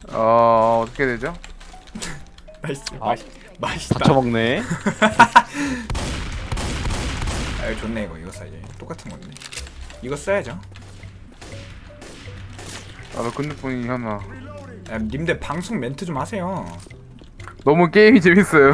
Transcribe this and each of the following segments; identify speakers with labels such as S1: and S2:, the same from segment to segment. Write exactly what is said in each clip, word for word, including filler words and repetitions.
S1: 어 어떻게 되죠?
S2: 나이스.
S3: 아.
S2: 맛있 맛있다.
S3: 다 처먹네.
S2: 아 이거 좋네. 이거 이거 써야지. 똑같은 건데. 이거 써야죠.
S1: 나도 근육분이 하나.
S2: 야, 님들 방송 멘트 좀 하세요.
S1: 너무 게임이 재밌어요.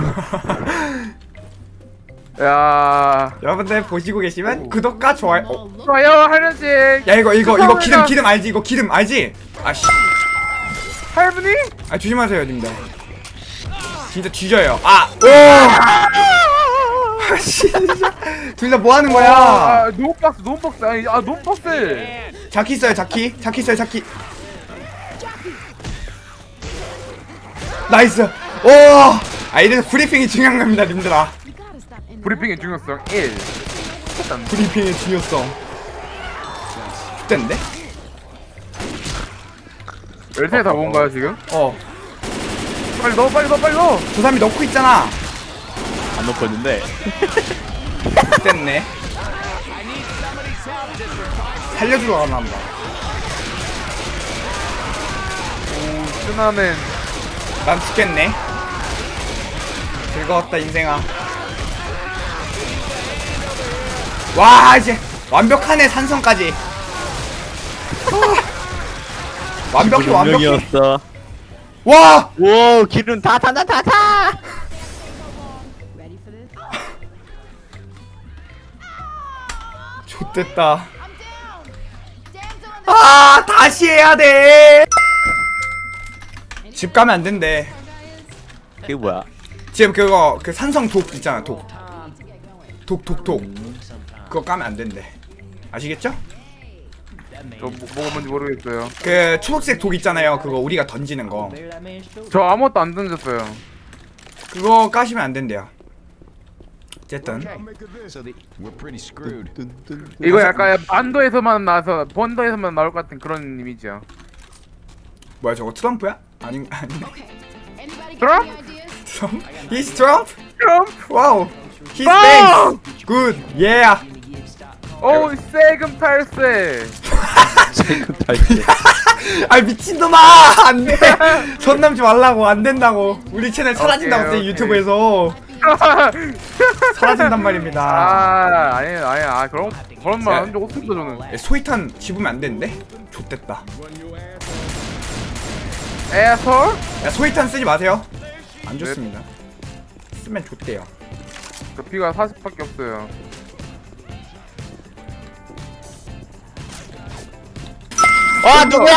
S1: 야
S2: 여러분들 보시고 계시면 구독과 좋아요. 어.
S1: 좋아요 하는지.
S2: 야 이거 이거 이거
S1: 죄송합니다.
S2: 기름 기름 알지? 이거 기름 알지? 아씨.
S1: 할머니?
S2: 아 조심하세요 님들. 진짜 뒤져요. 아. 오. 아 진짜. 둘 다 뭐 하는 거야?
S1: 아, 노박스 노박스 아니 아 노박스.
S2: 자키 있어요 자키. 자키 있어요 자키. 나이스. 오. 아 이래서 브리핑이 중요한 겁니다 님들아.
S1: 브리핑의 중요성 일. 일단
S2: 브리핑의 중요성. 됐는데?
S1: 열쇠 다 본 거야 지금?
S2: 어.
S1: 빨리 넣어 빨리 넣어 빨리 넣어.
S2: 저 사람이 넣고 있잖아.
S3: 안 넣고 있는데.
S2: 됐네. 살려주러 가나 보다.
S1: 오 쓰나는
S2: 난 죽겠네. 즐거웠다 인생아. 와 이제 완벽하네 산성까지. 아, 완벽해 완벽해.
S3: 운명이었어.
S2: 와
S3: 오, 기름 다 타, 다 타, 타.
S2: 좋됐다. 아 다시 해야 돼. 집 가면 안 된대.
S3: 그게 뭐야?
S2: 지금 그거 그 산성 독 있잖아 독. 독 독 독. 그거 까면 안 된대. 아시겠죠?
S1: 저 뭐, 뭐가 뭔지 모르겠어요.
S2: 그 초록색 독 있잖아요. 그거 우리가 던지는 거.
S1: 저 아무것도 안 던졌어요.
S2: 그거 까시면 안 된대요. 어쨌든
S4: We're pretty screwed.
S1: 이거 약간 반도에서만 나와서 번도에서만 나올 것 같은 그런 이미지야.
S2: 뭐야 저거 트럼프야? 아니 아니
S1: 트럼프?
S2: 트럼프? He's Trump?
S1: 트럼프?
S2: 와우. He's
S1: 아!
S2: thanks. Good. Yeah.
S1: 오 세금 탈세.
S3: 세금 탈세.
S2: 아 미친놈아 안돼. 손 남지 말라고 안 된다고. 우리 채널 사라진다고
S1: 오케이,
S2: 때
S1: 오케이.
S2: 유튜브에서 사라진단 말입니다.
S1: 아 아니 아니 아 그런 그런 말 한 적 없습니다 저는.
S2: 소이탄 집으면 안 되는데? 좆됐다.
S1: 에솔?
S2: 야 소이탄 쓰지 마세요. 안 좋습니다. 쓰면 좋대요.
S1: 저 피가 사십밖에 없어요.
S3: 아, 누구야?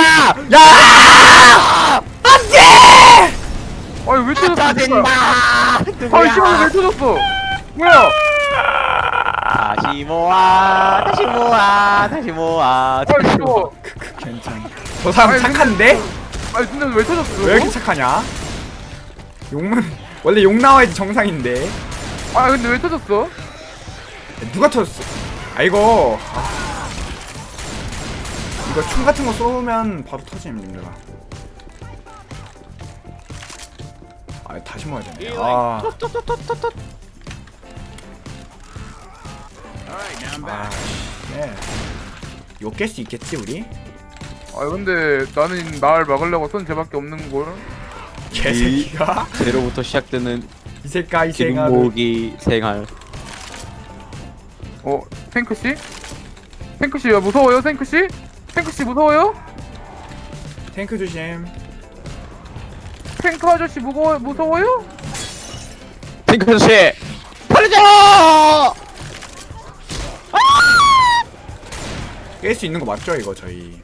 S2: 야! 안돼!
S1: 아니 왜 터졌어?
S3: 짜증나.
S1: 아니 씨발 왜 터졌어? 뭐야?
S3: 다시 모아, 다시 모아, 다시 모아.
S1: 아니 이거
S2: 괜찮아. 저 사람
S1: 아니,
S2: 착한데?
S1: 아니 근데 왜 터졌어?
S2: 왜 이렇게 착하냐? 욕만 원래 욕 나와야지 정상인데.
S1: 아 근데 왜 터졌어?
S2: 누가 터졌어? 아 이거 아. 이거 총 같은 거 쏘면 바로 터짐 님들아. 아 다시 모아야 되네. 아. 아, 네. 욕깰 수 있겠지 우리?
S1: 아 근데 나는 날 막으려고 손 쟤밖에 없는 걸.
S2: 개새끼가
S3: 제로부터 시작되는
S2: 이 새끼가 이
S3: 기름
S2: 새끼가
S3: 모으기 생활.
S1: 어 탱크 씨? 탱크 씨야 무서워요 탱크 씨? 탱크 씨 무서워요?
S2: 탱크 조심.
S1: 탱크 아저씨 무거워 무서워요?
S3: 탱크 아저씨, 살려줘!
S2: 깰 수 있는 거 맞죠 이거 저희?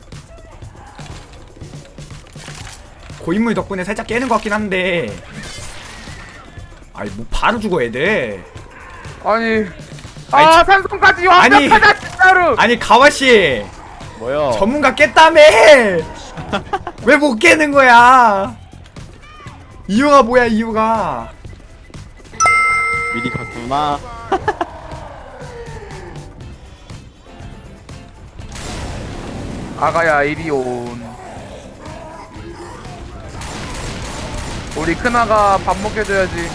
S2: 고인물 덕분에 살짝 깨는 것 같긴 한데. 아니 뭐 바로 죽어 애들.
S1: 아니
S2: 아니,
S1: 아
S2: 저-
S1: 산성까지
S2: 아니.
S1: 완벽하다 진짜로.
S2: 아니 가와씨
S3: 뭐요?
S2: 전문가 깼다며. 왜 못 깨는 거야? 이유가 뭐야 이유가?
S3: 미리 갔구나.
S1: 아가야 이리 온. 우리 큰아가 밥 먹여줘야지.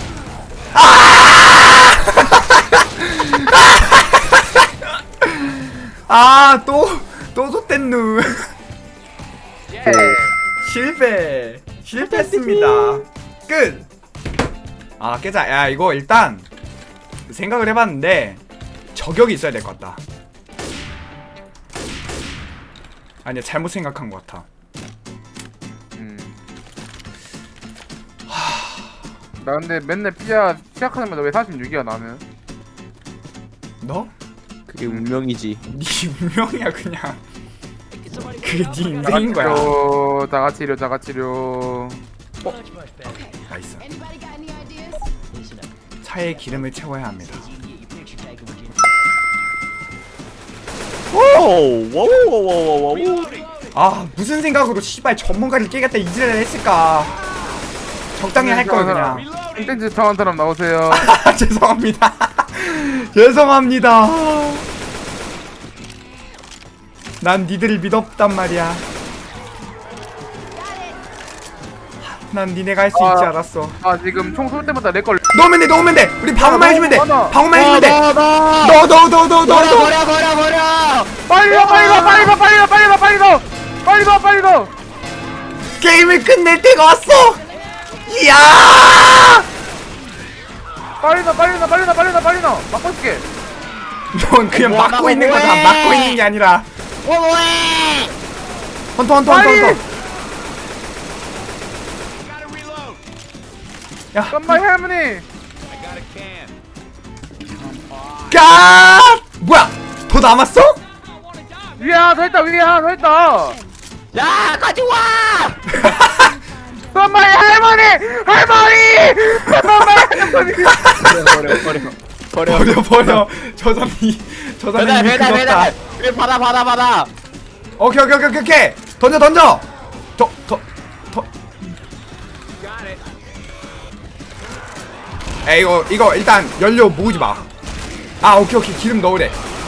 S2: 아또또 줬댔누.
S1: 예.
S2: 실패. 실패했습니다. 끝. 아 깨자. 야 이거 일단 생각을 해봤는데 저격이 있어야 될 것 같다. 아니야 잘못 생각한 것 같아.
S1: 음. 나 근데 맨날 피자 시작하자마자 왜 사십육이야 나는?
S2: 너?
S3: 그게 운명이지.
S2: 네 운명이야 그냥. 그게 네 인생인 거야.
S1: 자가치료, 자가치료, 자가치료.
S2: 나이스. 차에 기름을 채워야 합니다.
S3: 오오오오오오오.
S2: 아 무슨 생각으로 씨발 전문가를 깨겠다 이지랄을 했을까. 적당히 할 걸 그냥.
S1: 콘텐츠 청한 사람 나오세요.
S2: 아, 죄송합니다. 죄송합니다. 난 니들을 믿었단 말이야. 난 니네가 할 수
S1: 아.
S2: 있지 알았어.
S1: 아 지금 총 쏠 때마다 내 걸.
S2: 넣으면 돼, 넣으면 돼. 우리 방어만 해주면 돼.
S1: 넣어, 넣어.
S2: 방어만 해주면 돼.
S3: 넣어, 넣어.
S2: 넣어, 넣어, 넣어, 넣어, 넣어, 넣어.
S3: 버려 버려 버려.
S1: 빨리 가, 빨리 가, 빨리 가, 빨리 가, 빨리 가, 빨리 가, 빨리 가, 빨리 가.
S2: 게임을 끝낼 때가 왔어. 이야.
S1: 빨리 나, 빨리 나, 빨리 나, 빨리 나, 빨리 나. 막고 있게.
S2: 넌 그냥
S3: 뭐야,
S2: 막고 있는
S3: 뭐해.
S2: 거다. 막고 있는 게 아니라.
S3: 뭐해?
S2: 헌터, 헌터, 헌터,
S1: 빨리.
S2: 헌터. 야,
S1: 깜빡이 할머니.
S2: 까. 뭐야? 더 남았어?
S1: 위에 하나 더 있다, 위에 하나 더 있다.
S3: 야 가져와.
S1: 깜빡이 할머니, 할머니, 깜빡이 할머니.
S3: 버려 버려 버려.
S2: 버려, 버려. 저 사람이, 저 사람이
S3: 배달
S2: 이미
S3: 배달
S2: 끊었다.
S3: 배달. 왜 받아 받아 받아.
S2: 오케이, 오케이, 오케이, 오케이. 던져, 던져. 더, 더, 더. 에 이거 이거 일단 연료 모으지 마. 아 오케이 오케이 기름 넣으래.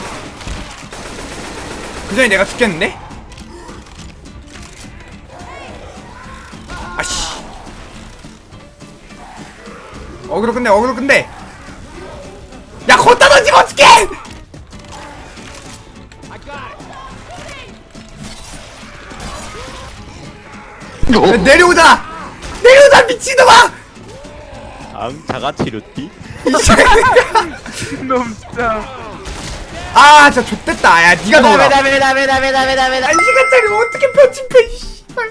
S2: 그 전에 내가 죽겠는데? 아씨. 어그로 끝내 어그로 끝내. 야 걷다 던지면 어떡해! 야, 내려오자! 내려오자 미친놈아!
S3: 앙 자가치료띠.
S2: 이 새끼야.
S1: 놈 진짜.
S2: 아 진짜 좆됐다. 야 니가 넣어라.
S3: 배달 배달 배달 배달 배달 배달.
S2: 한 시간짜리 어떻게 편집해 씨발.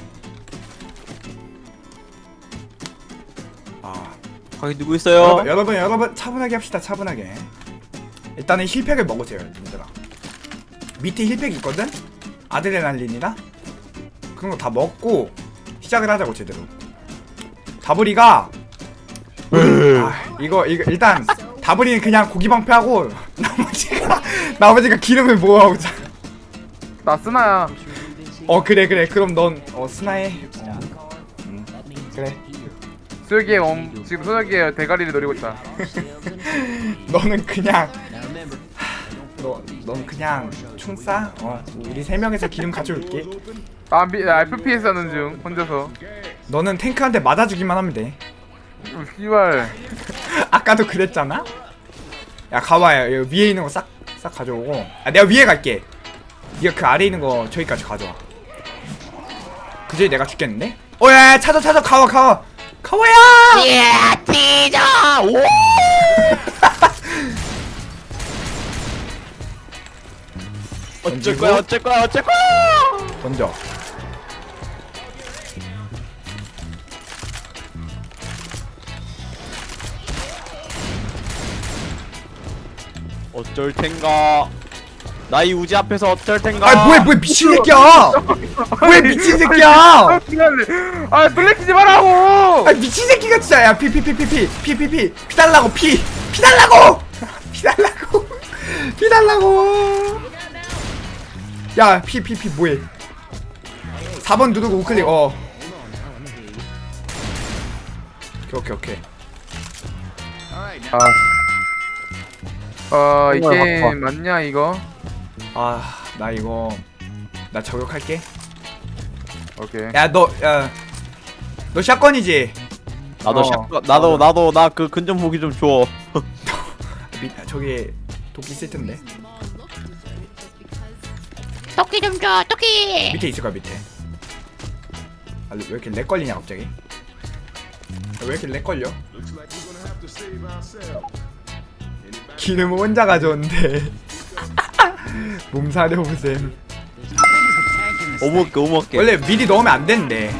S2: 아
S3: 거기 누구 있어요?
S2: 여러분 여러분 여러분 차분하게 합시다. 차분하게. 일단은 힐팩을 먹으세요 얘들아. 밑에 힐팩 있거든? 아드레날린이라 그런 거 다 먹고 시작을 하자고 제대로. 다브리가 아, 이거 이거 일단 다브리는 그냥 고기 방패하고 나머지가 나머지가 기름을 모아오자.
S1: 나 스나야.
S2: 어 그래 그래 그럼 넌 어 스나해. 어. 음, 그래.
S1: 수혁이의 엄 지금 수혁이의 대가리를 노리고 있다.
S2: 너는 그냥 너 넌 그냥 총 쏴. 어 우리 세 명에서 기름 가져올게.
S1: 아, 미, 아 에프피에스 하는 중 혼자서.
S2: 너는 탱크한테 맞아주기만 하면 돼.
S1: 음, 씨발.
S2: 아까도 그랬잖아. 야 가봐요. 여기 위에 있는 거 싹 싹 가져오고. 아 내가 위에 갈게. 네가 그 아래 있는 거 저기까지 가져와. 그저기 내가 죽겠는데? 어야 찾아 찾아 가와 가와 가와야.
S3: 예 티저. 오. 어쩔 거야 어쩔 거야 어쩔 거야.
S2: 던져.
S3: 어쩔 텐가. 나이 우지 앞에서 어쩔 텐가.
S2: 아 뭐야 뭐야 미친 새끼야. 왜 미친 새끼야.
S1: 아, 미안해. 아 놀래키지 말라고.
S2: 아 미친 새끼가 진짜. 야 피 피 피 피 피 피 피 피 피 달라고 피 피 달라고 피 달라고 피 달라고. 야 피 피 피 뭐해. 사 번 누르고 우클릭. 어 오케이 오케이 오케이.
S1: 아, 어, 이
S3: 정말
S1: 게임 맞냐 이거?
S2: 아 나 이거 나 저격할게.
S1: 오케이.
S2: 야 너 야 너 샷건이지?
S3: 나도
S1: 어.
S3: 샷건 나도 나도 나 그 근접 무기 좀 줘.
S2: 미, 저기 도끼 있을 텐데.
S5: 토끼 좀 줘, 토끼.
S2: 밑에 있을 거야 밑에. 아, 왜 이렇게 렉 걸리냐 갑자기? 아, 왜 이렇게 렉 걸려?
S4: Looks like we're gonna have to save ourselves.
S2: 기름 혼자 가져온대. 몸사려 보셈.
S3: 오목게 오목게.
S2: 원래 미리 넣으면 안 된대.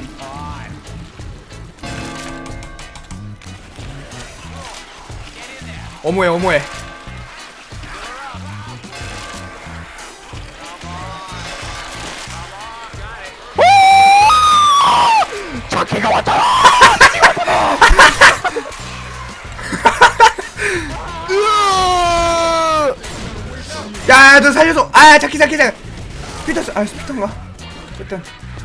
S2: 어머해 어머해.
S3: 자키가 왔잖아.
S2: 야, 너 살려줘. 아, 자키 자키 자키. 피터스, 아, 피터인가? 일단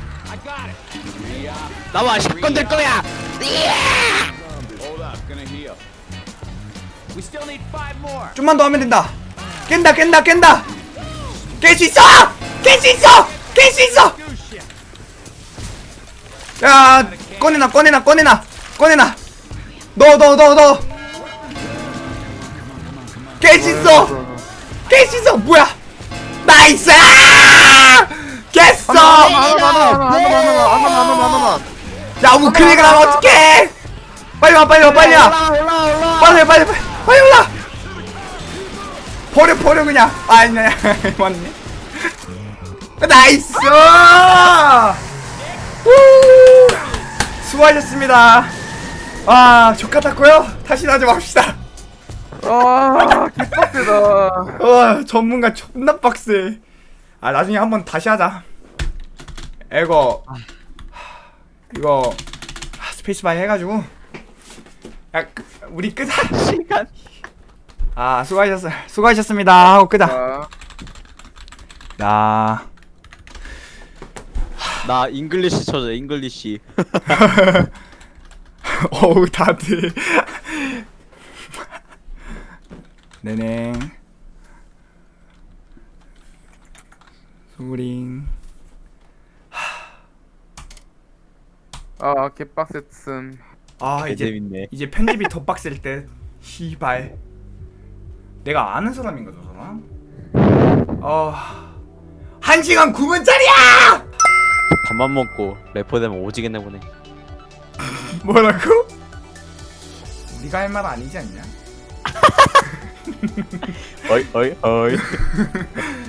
S3: 나와 십 건 될 거야.
S4: Hold up, gonna heal. We still need five more.
S2: 좀만 더 하면 된다. 깬다, 깬다, 깬다. 깰 수 있어. 깰 수 있어. 깰 수 있어. 야, 꺼내놔, 꺼내놔, 꺼내놔, 꺼내놔. 넣어, 넣어, 넣어, 넣어. 깰 수 있어. 깰 수 있어. 뭐야? 나이스! 깼어.
S1: 하나만 하나만 하나만 하나만 하나만 하나만.
S2: 야, 우클릭을 하면 어떡해? 빨리 와, 빨리 와, 빨리 와.
S3: 올라 올라 올라.
S2: 빨리, 빨리, 빨리, 빨리 올라. 버려, 버려 그냥. 아, 아니야, 맞네. 나이스! 우! 수고하셨습니다. 아, 족같았고요. 다시 하지 맙시다.
S1: 아 개빡세다.
S2: 와, 전문가 존나 빡세. 아, 나중에 한번 다시 하자. 이거 이거 아, 스페이스바 해가지고 야, 끄- 우리 끄자.
S3: 시간.
S2: 아, 수고하셨어, 수고하셨습니다 하고 끄자.
S1: 아,
S2: 야,
S3: 나 잉글리시 쳐줘 잉글리시.
S2: 어우 다들. 네네. 수링.
S1: 아 개빡셌음.
S2: 아, 이제
S3: 재밌네.
S2: 이제 편집이 더 빡셀 때. 시발. 내가 아는 사람인가 저 사람? 어. 한 시간 구 분짜리야!
S3: 밥만 먹고 래퍼 되면 오지겠네 보네.
S2: 뭐라고? 네가 할 말 아니지 않냐?
S3: 어이 어이 어이.